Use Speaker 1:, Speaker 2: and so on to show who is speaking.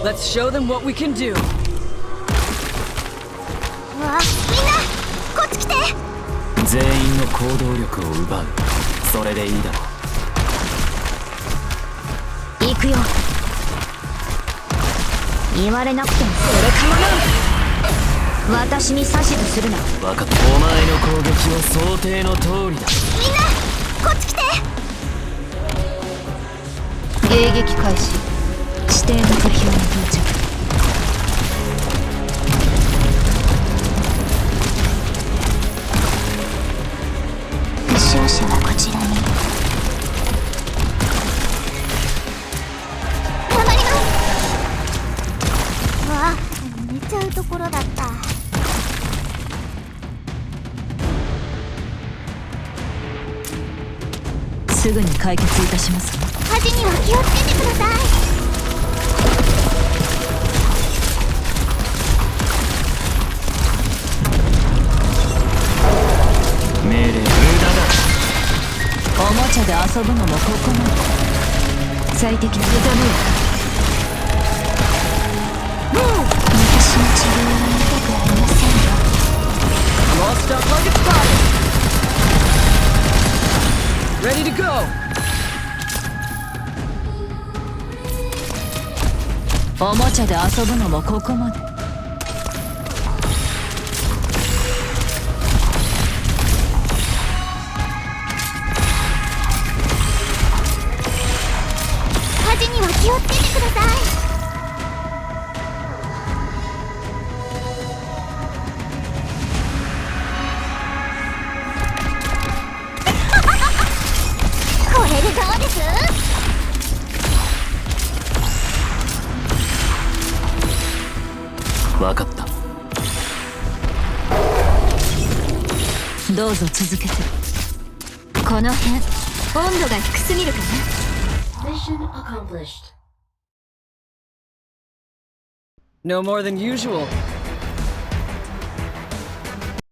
Speaker 1: Let's show them what we can do.
Speaker 2: わあ、みんなこっち来て。
Speaker 3: 全員の行動力を奪う。それでいいだろう。
Speaker 2: 行くよ。言われなくてもそれかもな。私に指図するな。
Speaker 3: 分かった。お前の攻撃は想定の通りだ。
Speaker 2: みんなこっち来て。迎撃開始。指定の敵に到着。負傷者はこちらに。頑張ります。わあ、寝ちゃうところだった。
Speaker 4: すぐに解決いたしますわ。
Speaker 2: 火事には気をつけてください。
Speaker 3: 命令無駄だ。
Speaker 4: おもちゃで遊ぶのもここまで。最適な目覚めよ。
Speaker 2: 私の治療は痛くありませんよ。
Speaker 1: Lost up like it's spotted. Ready to go.
Speaker 4: おもちゃで遊ぶのもここまで。
Speaker 2: 火事には気をつけてください。これでどうです？
Speaker 3: 分かった。
Speaker 4: どうぞ続けて。
Speaker 2: この辺温度が低すぎるかな。
Speaker 5: Mission accomplished.
Speaker 1: No more than usual.